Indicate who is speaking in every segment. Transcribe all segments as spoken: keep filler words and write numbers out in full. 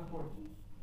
Speaker 1: потім.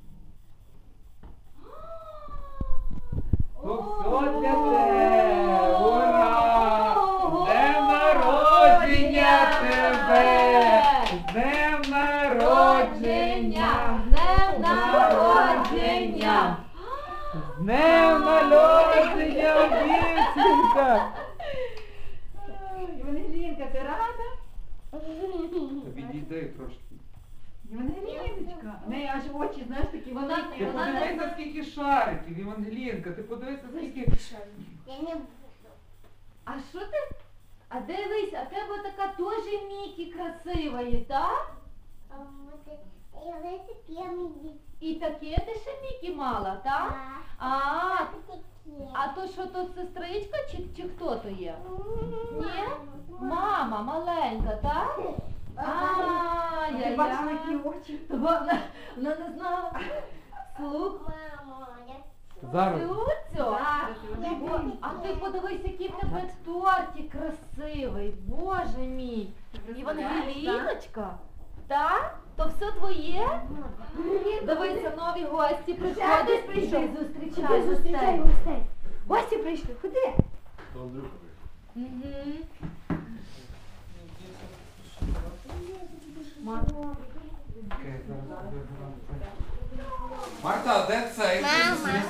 Speaker 1: То все для тебе! Ура! З днем народження тебе! З днем народження!
Speaker 2: З днем народження!
Speaker 1: З днем народження, дівчинка!
Speaker 2: Євангелінка, ти рада?
Speaker 1: Відійди трошки.
Speaker 2: Євангеліночка. В неї аж очі, знаєш, такі великі.
Speaker 1: Ти
Speaker 2: Вона не-
Speaker 1: подивися, скільки шариків, Євангелінка, ти подивися, скільки...
Speaker 3: Я не буду.
Speaker 2: А що ти? А дивись, а тебе така теж Мікі красива є, так?
Speaker 3: А вот это- я вот такие миди.
Speaker 2: І таке ти ще Мікі мала, так? А,
Speaker 3: Вот такие.
Speaker 2: а то що, то сестричка чи, чи хто то є? Ні?
Speaker 3: Мама.
Speaker 2: Мама маленька, так? А, я,
Speaker 4: Ти бачила, які очі?
Speaker 2: Вона, вона не знала. Слух,
Speaker 3: Мама, я
Speaker 1: Зараз.
Speaker 2: Люцю.
Speaker 4: Зараз,
Speaker 3: Я
Speaker 4: Євангелінка.
Speaker 2: О, а ти подивись, який в тебе тортик красивий, боже мій. Євангеліночка, так? То все твоє? Дивися, нові гості приходять, прийшли, зустрічай
Speaker 4: Зустрічай
Speaker 2: гостей.
Speaker 4: гостей. Гості прийшли, ходи.
Speaker 2: Мгм.
Speaker 1: Марта, а де цей?
Speaker 3: Мама.